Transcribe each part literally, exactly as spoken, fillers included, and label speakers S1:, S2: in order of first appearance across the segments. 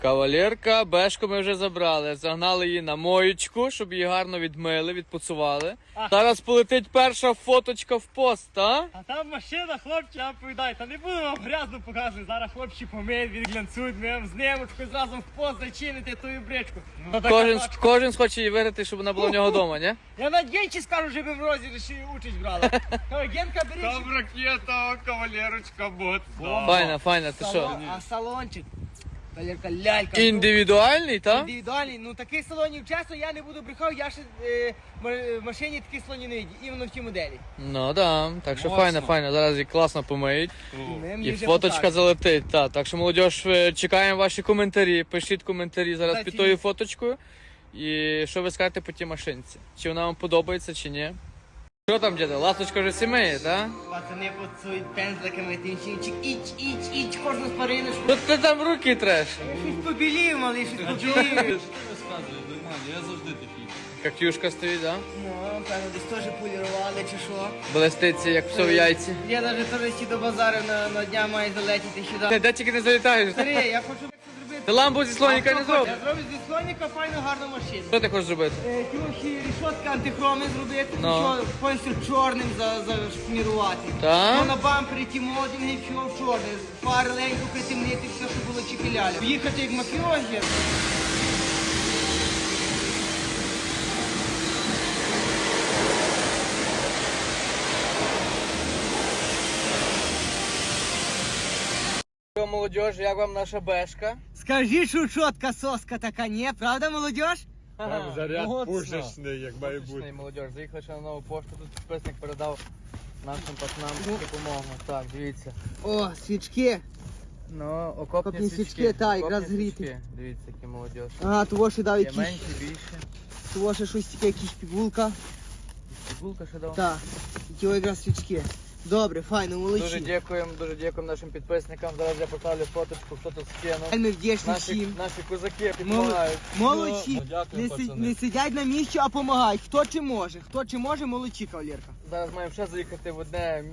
S1: Кавалерка, бешку ми вже забрали, загнали її на моєчку, щоб її гарно відмили, відпуцували.
S2: А.
S1: Зараз полетить перша фоточка в пост, а?
S2: А там машина, хлопці, я повідаю, та не буду вам грязно показувати. Зараз хлопці помиють, відглянцюють, ми вам з немочкою зразу в пост зачините тую бричку. Ну, така
S1: Кожен,
S2: тачка.
S1: кожен схоче її виграти, щоб вона була в нього вдома, ні?
S2: Я на Генчі скажу, щоб ви в розіграші участь брали. Ой, Генка, беріть.
S3: Там ракета, кавалерочка, бот.
S1: Файна, файна, ти що?
S2: Салон, а салончик. Кавалерка, лялька.
S1: Індивідуальний,
S2: Ну,
S1: так?
S2: індивідуальний. Ну таких салонів, чесно, я не буду брехав, я ще е, м- в машині таких салонів не видів, іменно в тій моделі.
S1: Ну да, так що
S3: Моцно.
S1: файна, файна. Зараз її класно помиють.
S2: Ми мені
S1: І
S2: вже
S1: фоточка
S2: покажуть.
S1: залетить. Так, так що, молодь, чекаємо ваші коментарі. Пишіть коментарі зараз
S2: Та
S1: під
S2: ці-
S1: тою фоточкою. І що ви скажете по тій машинці? Чи вона вам подобається, чи ні? Що там, діда? Ласточка вже сімеє, так?
S2: Пацани поцують пензликами, тим чинчик, іч, іч, іч, кожну спариночку.
S1: Тут ти там руки треш.
S2: Я щось побілів, малий, щось побілів.
S3: Розказує, нормально, я завжди такий.
S1: Кактюшка стоїть, так?
S2: Ну, певно, десь теж полірували чи що.
S1: Блеститься, як все в яйці.
S2: Я навіть теж ці до базару на, на дня має залетіти сюди.
S1: Ти де тільки не залітаєш?
S2: Старий, я хочу це зробити.
S1: Ти ламбу зі слоніка не зробиш.
S2: Я зроблю зі слоніка файну гарну машину.
S1: Що ти хочеш зробити?
S2: Е, Трохи рішотки антихроми зробити,
S1: Ну.
S2: що повністю чорним за, зашмірувати.
S1: Так?
S2: Ну, на бампері ті молодінги, все в чорне. Фари ленько притемнити, все, що було чіпіляля. Їхати як мафіозі.
S1: Що, молодь, як вам наша бешка?
S2: Скажи, що чотка соска така, ні? Правда, молодіж?
S3: Там заряд
S1: Моцно.
S3: пушечний, як має бути.
S1: Потужний, молодь. Заїхали ще на нову пошту, тут підписник передав нашим пацанам допомогу. Так, дивіться.
S2: О, свічки.
S1: Ну, окопні,
S2: Окопні
S1: свічки.
S2: свічки, та, якраз
S1: Окопні
S2: гріти.
S1: свічки. Дивіться, які молодь.
S2: Ага, того ще дав
S1: Є
S2: якісь,
S1: менші, більше.
S2: того ще щось таке, якісь пігулка.
S1: Фігулка ще дав.
S2: Так, ті якраз свічки. Добре, файно,
S1: Дуже
S2: молодці.
S1: дякуємо, дуже дякуємо нашим підписникам. Зараз я поставлю фоточку, хто тут скинув.
S2: Ми вдячні
S1: Наші,
S2: всім.
S1: наші козаки
S2: Мол-
S1: допомагають.
S2: Молодці.
S3: Ну, дякую,
S2: Не, си-
S3: пацани.
S2: не сидять на місці, а допомагають. Хто чи може, хто чи може, молодці, кавалерка.
S1: Зараз маємо ще заїхати в одне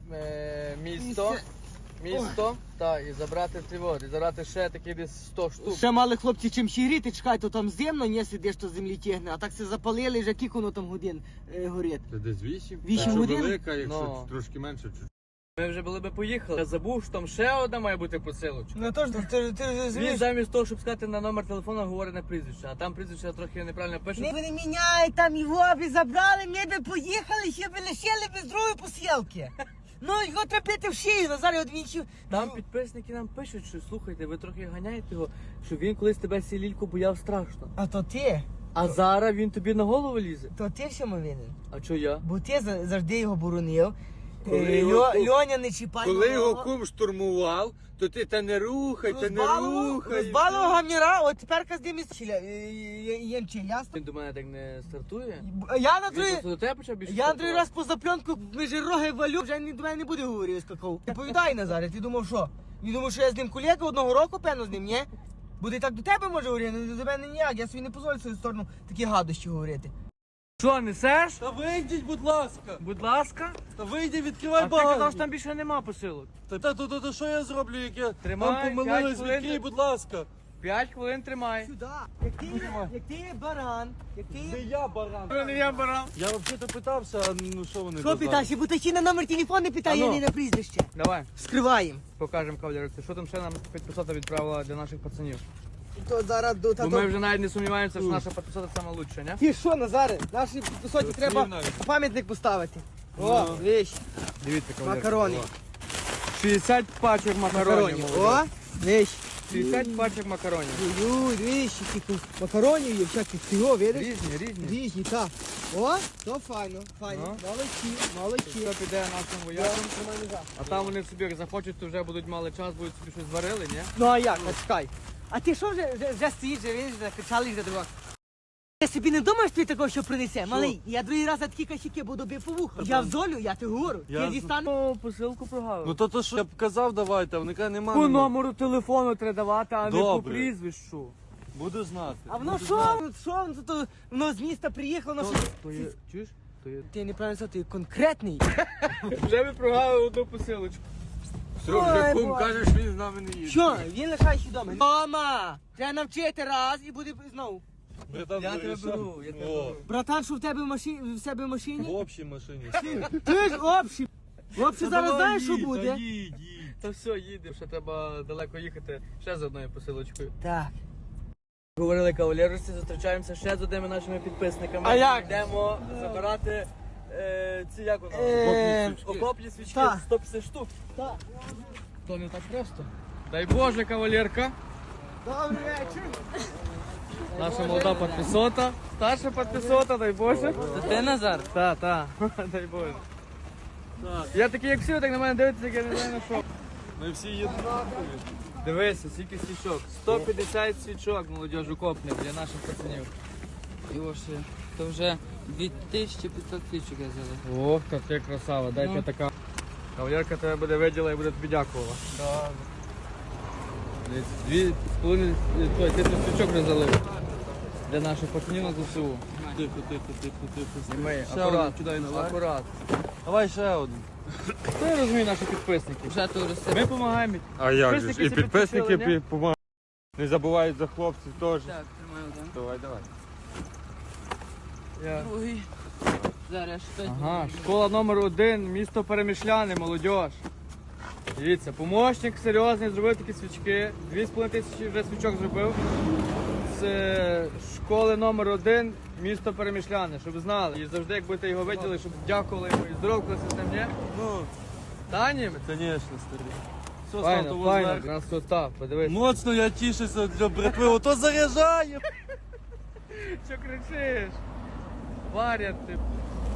S1: е, місто.
S2: Місце.
S1: Місто, так, і забрати ці води, і забрати ще такі десь сто штук.
S2: Ще мали хлопці чим ще гріти, чекай, то там зимно, не сидиш, то землі тягне, а так все запалили, вже кілька воно там годин е, горить.
S3: Це десь вісім?
S2: Вісім
S3: Якщо
S2: годин?
S3: велика, якщо
S1: Ну.
S3: трошки менше, чуть.
S1: Ми вже були би поїхали. Я забув, що там ще одна має бути посилочка.
S2: Ну то ж, ти, ти вже
S1: Він замість того, щоб сказати на номер телефону, говорить на прізвище, а там прізвище трохи неправильно пише.
S2: Ми не міняють там його, би забрали, ми би поїхали, ще би лишили без другої посілки. Ну, його треба пити в шию, Назар одвічив.
S1: Там підписники нам пишуть, що слухайте, ви трохи ганяєте його, що він колись тебе сілільку бояв страшно.
S2: А то ти,
S1: А зараз він тобі на голову лізе.
S2: то ти всьому винен.
S1: А чо я?
S2: Бо ти за- завжди його боронив.
S3: Коли
S2: Е,
S3: його
S2: Льо-
S3: кум-
S2: Льоня не чіпай.
S3: Коли
S2: малого.
S3: його кум штурмував, то ти та не рухай, та не
S2: Розбалував-
S3: рухай.
S2: Розбалував гамніра, от тепер з ним ємче, ясно?
S1: Він до мене так не стартує.
S2: Я на
S1: Він
S2: другий...
S1: просто до тебе почав більше.
S2: Я на другий раз
S1: стартувати.
S2: по запленку між роги валю, вже ні до мене не буде говорити, скакав. Відповідай, Назаре, ти думав, що? Він думав, що я з ним колега одного року, певно, з ним, ні? Буде так до тебе може говорити, але до мене ніяк, я собі не дозволю в свою сторону такі гадощі говорити.
S1: Що, несеш?
S4: Та вийдіть, будь ласка!
S1: Будь ласка.
S4: Та вийди,
S1: А
S4: відкривай
S1: ти казав, що
S4: багажник!
S1: там більше нема посилок.
S4: Та, та, то, то, то що я зроблю, як я
S1: Тримай,
S4: там помилились,
S1: п'ять хвилин.
S4: відкрий, будь ласка!
S1: П'ять хвилин тримай.
S2: Сюди, як ти, як ти є баран, як ти
S4: Не
S2: є...
S4: я баран!
S1: Не я барам.
S4: Я взагалі питався, а ну що вони
S2: Що
S4: казали?
S2: питаєш, бо ти ще на номер телефону не питає,
S1: Ану.
S2: а не на прізвище.
S1: Давай,
S2: Скриваємо.
S1: покажемо кавалерці, що там ще нам підписата відправила для наших пацанів.
S2: То зараз до
S1: Бо ми вже навіть не сумніваємося, що наша підписата сама лучша, не?
S2: Ти що, Назаре, нашій підписоті треба
S4: навіть.
S2: пам'ятник поставити. О, віч,
S1: Дивіться, кавалерці.
S2: макарони.
S1: шістдесят пачок макаронів.
S2: Макаронів.
S1: молодець.
S2: О, віч.
S1: шістдесят пачок макаронів.
S2: Ой, двічі, тільки макаронів є, всяких всього, видиш?
S1: Різні, різні.
S2: Різні, так. О, то файно, файно.
S1: Ну.
S2: Молодці, молодці.
S1: Що піде нашим воякам, а там вони собі як захочуть, то вже будуть мали час, будуть собі щось зварили, ні?
S2: Ну а як, а чекай. А ти що вже, вже, вже стоїш, вже видиш, закричали вже друга. Я собі не думаєш, що ти такого що принесе? Малий, я другий раз за такі косяки буду бив по вуху. Я в золю, я ти говорю.
S4: Я
S2: Я
S4: з-
S2: дістану.
S1: О, посилку прогавив.
S4: Ну то то що я б казав, давайте, а вони кажуть, нема.
S1: По
S4: нема.
S1: номеру телефону треба давати, а не по
S4: Добре.
S1: прізвищу.
S4: Буду знати.
S2: А воно
S4: Буду
S2: що?
S4: знати.
S2: Воно що? Воно то- Воно з міста приїхало, воно що?
S1: То є, чуєш? То є.
S2: Ти неправильно сказав, ти конкретний.
S1: Вже ми прогавили одну посилочку.
S3: Що вже
S2: Ой,
S3: кум
S2: Боже.
S3: каже, що він з нами не їде.
S2: Що, він лишається вдома. Тома, треба навчити раз і буде знову.
S4: Братан,
S2: Я тебе
S4: вирішав.
S2: беру, я тебе
S4: О,
S2: беру. Братан, що в тебе в машині, в себе в
S4: В
S2: машині?
S4: общій машині.
S2: Ти ж общий. Общий зараз знаєш, що буде?
S4: Та їдь, їдь.
S1: Та все, їдемо, ще треба далеко їхати. Ще з одною посилочкою.
S2: Так.
S1: Говорили кавалерості, зустрічаємося ще з одними нашими підписниками.
S2: А як?
S1: Йдемо забирати е, ці як воно?
S2: Е,
S1: Окопні свічки,
S2: так.
S1: сто п'ятдесят штук.
S2: Так.
S1: То не так просто. Дай Боже, кавалерка.
S2: Добрий вечір.
S1: Наша молода підписота. Старша підписота, дай Боже.
S2: Ти Назар?
S1: Та, та. Дай Боже. Я такий, як всі, так на мене дивиться, як я не знаю на що.
S4: Ми всі єднакові.
S1: Дивися, скільки свічок. сто п'ятдесят свічок, молодіж, окопних для наших пацанів.
S5: І ось е, то вже дві тисячі п'ятсот свічок я взяла.
S1: Ох, та ти красава, дай
S5: Ну.
S1: така. Кавалерка тебе буде виділа і буде тобі дякувала. Дивіться, Дві з половиною той, тисяч свічок вже залив. Для наших пацанів на ЗСУ.
S4: Тихо, тихо, тихо, тихо.
S1: Знімай,
S4: Ще
S1: акурат,
S4: один кидай наверх.
S1: акурат.
S4: Давай ще один.
S1: Хто я розумію наші підписники?
S5: Вже то росте.
S1: Ми допомагаємо.
S3: А як же ж?
S1: Підписники
S3: І
S1: це
S3: підписники
S1: підписали, ні?
S3: допомагають. Не забувають за хлопців теж.
S5: Так, тримаю один.
S3: Давай, давай.
S1: Я...
S5: Другий. Зараз щось.
S1: Ага, школа номер один, місто Перемишляне, молодіж. Дивіться, помощник серйозний, зробив такі свічки. Дві з половиною тисячі вже свічок зробив. З е, школи номер один, місто Перемишляне, щоб знали. І завжди, як будете його виділи, щоб дякували йому і здоровкалися з ним, ні?
S4: Ну,
S1: Та ні?
S4: звісно, старий. Все, став
S1: Файно,
S4: того
S1: файно,
S4: зверху.
S1: красота, подивись.
S4: Моцно я тішуся для братви, ото заряджає.
S1: Що кричиш? Варять ти.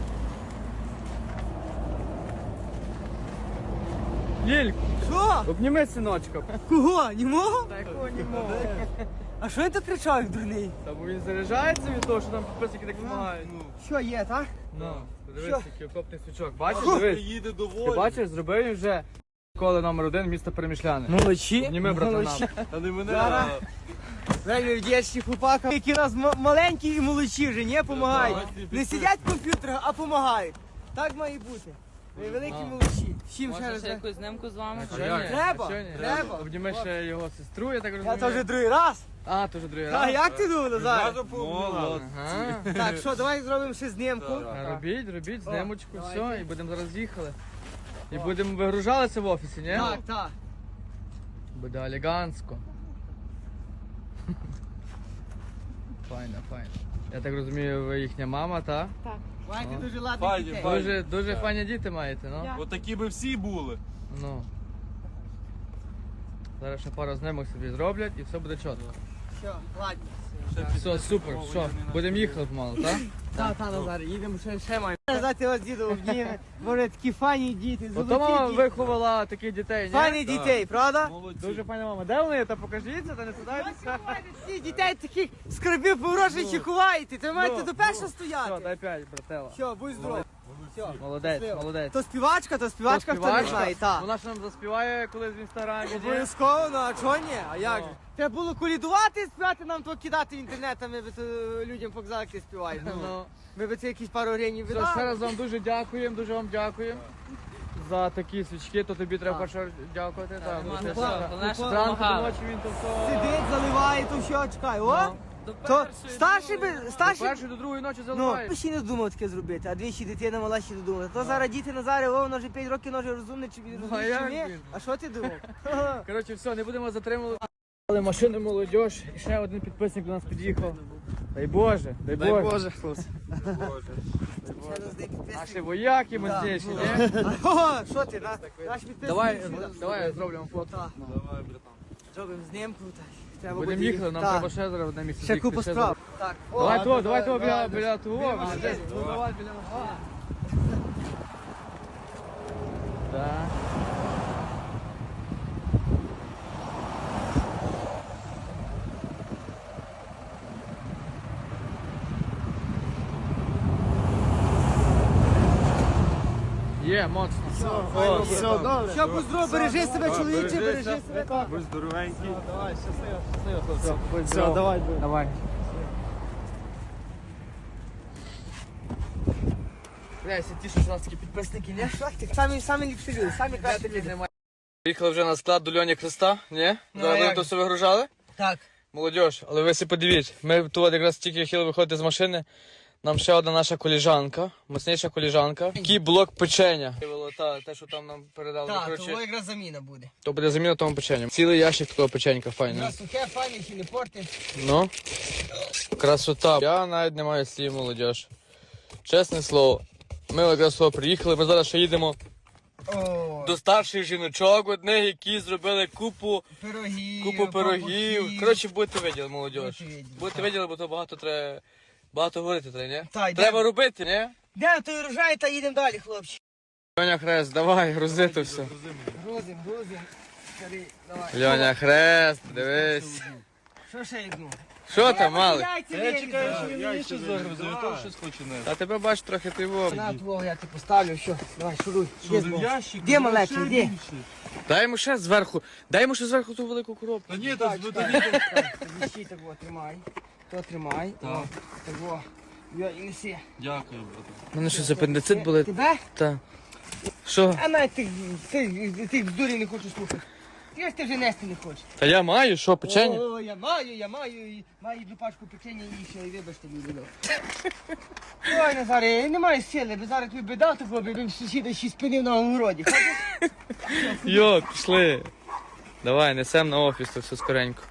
S1: Лільк,
S2: Що?
S1: обніми синочка.
S2: Кого? Німого?
S1: Та якого німого?
S2: А що він тут кричав, як дурний?
S1: Та бо він заряджається від того, що нам підписники так допомагають.
S2: Що є, так?
S1: Ну, подивись,
S2: Що?
S1: який окопний свічок. Бачиш,
S4: Що?
S1: дивись.
S4: Приїде
S1: Ти
S4: доволі.
S1: бачиш, зробив він вже школи номер один, місто Перемишляне.
S2: Молодці.
S1: Обніми, братана.
S4: А не мене.
S2: Зараз.
S4: а-
S2: Реально вдячні хлопакам, які у нас м- маленькі і молодші вже, не допомагають. Не сидять в комп'ютерах, а допомагають. Так має бути. Ви великі
S1: А.
S2: молодші. Всім ще
S5: Може
S2: раз.
S5: ще якусь знимку з вами?
S1: А
S3: А
S1: чо
S3: як?
S1: ні?
S2: Треба,
S1: А чо ні?
S2: треба.
S1: Обніми ще його сестру, я так
S2: Я
S1: розумію.
S2: то вже другий раз.
S1: А, то вже другий
S2: А
S1: раз.
S2: як ти думав, Назар?
S3: Зразу пообминали.
S1: Ага.
S2: Так, що, давай зробимо ще знімку.
S1: А, Робіть, робіть,
S2: О,
S1: знімочку,
S2: давайте.
S1: все, і будемо зараз їхали. І будемо вигружалися в офісі, ні?
S2: Так, так.
S1: Буде елегантсько. Файно, файно. Я так розумію, ви їхня мама, та?
S2: Маєте
S1: О.
S2: дуже ладних
S4: Файні,
S2: дітей.
S4: файні.
S1: Дуже, дуже файні діти маєте, ну?
S4: Отакі би всі були.
S1: Ну. Зараз ще пару знімок собі зроблять і все буде чітко.
S2: Все, ладно.
S1: Все, супер, що, будемо їхати помалу, так?
S2: Так, так, Назар, їдемо ще, ще маємо. Казати вас діду обніме. Боже, такі файні діти,
S1: Ото мама
S2: золоті діти.
S1: виховала таких дітей, ні?
S2: Файні дітей, правда?
S4: Молодці.
S1: Дуже файна мама. Де вони? Та покажіться, та не сідайтеся.
S2: Ці дітей таких скарбів погрошей ховаєте, то маєте
S1: Ну,
S2: до першого
S1: Все,
S2: стояти.
S1: дай п'ять, братела.
S2: Все, будь здоров. Все.
S1: Молодець,
S2: Щасливо.
S1: молодець.
S2: То співачка, то співачка, хто не знає, так.
S1: Вона ж нам заспіває колись в інстаграмі. ні?
S2: Обов'язково, ну а чого ні? А як
S1: Ну.
S2: же? Треба було колідувати, співати нам то кидати в інтернет, а ми би то людям показали, як ти співаєш.
S1: Ну.
S2: Ми би це якісь пару гривень
S1: Все,
S2: віддали.
S1: ще раз вам дуже дякуємо, дуже вам дякуємо. За такі свічки, то тобі треба
S2: Так.
S1: перше дякувати. Так,
S5: нема
S1: бо ти
S5: за
S2: що.
S1: ще-
S5: Головне, що
S1: Зранку до
S5: допомагали.
S1: ночі він то все.
S2: Сидить, заливає, то все, чекай. О,
S1: Ну.
S5: До
S2: то
S5: першої,
S2: старший би,
S5: другої.
S1: До
S2: старший
S1: першої до другої ночі
S2: Ну,
S1: заливаєш.
S2: ми ще не думав таке зробити, а двічі дитина мала ще додумала. То зараз діти Назари, о, воно вже п'ять років, воно вже розумне, чи він
S1: Ну, а
S2: розуміє, чи
S1: як
S2: ні.
S1: він?
S2: А що ти думав?
S1: Коротше, все, не будемо затримувати. Але машини молодіж, і ще один підписник до нас під'їхав. Дай Боже, дай Боже. Наші вояки мощніші, ні?
S2: О, що ти, на- наш підписник
S1: Давай,
S2: сюди.
S1: давай зробимо фото.
S2: Так,
S4: Давай, братан.
S2: зробимо знімку. так. Треба
S1: Будемо
S2: буде
S1: їхати, нам
S2: Так.
S1: треба ще зараз одне місце.
S2: Ще
S1: з'їхати,
S2: купа
S1: ще
S2: справ.
S1: зараз.
S2: Так.
S1: Давай
S2: О,
S1: того, давай того
S2: давай,
S1: біля, біля того.
S2: Біля
S1: біля-
S2: машини.
S1: Ну давай біля нас. Так. Є, моцно. О,
S2: Все, добре. Що, будь здоров, бережи себе, чоловіче, бережи себе. так.
S3: Будь здоровенький.
S1: Все, давай. Давай.
S2: Бля, ті, що у нас такі підписники, не? Самі, самі ліпші люди, самі кращі люди.
S1: Приїхали вже на склад до Льоні Христа, ні?
S2: Ну,
S1: Зараз
S2: а
S1: будемо
S2: як
S1: то
S2: же?
S1: все вигружали?
S2: Так.
S1: Молодіж, але ви си подивіть, ми тут якраз тільки хотіли виходити з машини, нам ще одна наша коліжанка, мощніша коліжанка, такий блок печення. Та, те, що там нам передали,
S2: Так,
S1: коротше,
S2: того якраз заміна буде.
S1: то буде заміна тому печенню. Цілий ящик такого печенька, файно.
S2: На сухе, файне, ще не порти.
S1: Ну, красота. Я навіть не маю слів, молодіж. Чесне слово, ми якраз сюди приїхали, ми зараз ще їдемо
S2: О,
S1: до старших жіночок одних, які зробили купу
S2: пирогів,
S1: Купу пирогів.
S2: пампухів.
S1: Коротше, будете виділи, молодіж.
S2: Будете виділи,
S1: Будете
S2: так.
S1: виділи, бо то багато треба. Багато говорити треба, ні?
S2: Та, йдемо.
S1: Треба робити, ні?
S2: Де той рожай, та їдемо далі, хлопці.
S1: Льоня Хрест, давай, грузи то все.
S2: Грузим, грузим. Старий, давай.
S1: Льоня Хрест, дивись.
S2: Що ще йду?
S1: Що там, малий?
S4: Я чекаю, що він мені щось загрузив, я теж щось хочу нести.
S1: А тебе бач трохи ти во.
S2: На твого я ти поставлю, що? Давай, шуруй.
S4: Що,
S2: Є
S4: в
S2: збоку.
S4: ящик?
S2: Де малечий,
S4: Ще
S2: де?
S4: більше.
S1: Дай йому ще зверху, дай йому ще зверху ту велику коробку.
S4: Та ні, та
S2: Так,
S4: ну,
S2: чекай,
S4: та
S2: чекай. Віщи того, тримай. То тримай. О, того. Йо, і неси.
S4: Дякую, брате.
S1: У мене щось апендицит болить.
S2: Тебе?
S1: Та. Що?
S2: А навіть тих, тих, тих бздурів не хочу слухати. Ти ж ти вже нести не хочеш.
S1: Та я маю, що, печення?
S2: О, я маю, я маю, і маю одну пачку печення і ще, і вибачте, люди. Ой, Назаре, я не маю сили, бо зараз тобі біда такого, бо б сусіда ще спинив на огороді.
S1: Йо, пішли. Давай, несем на офіс, то все скоренько.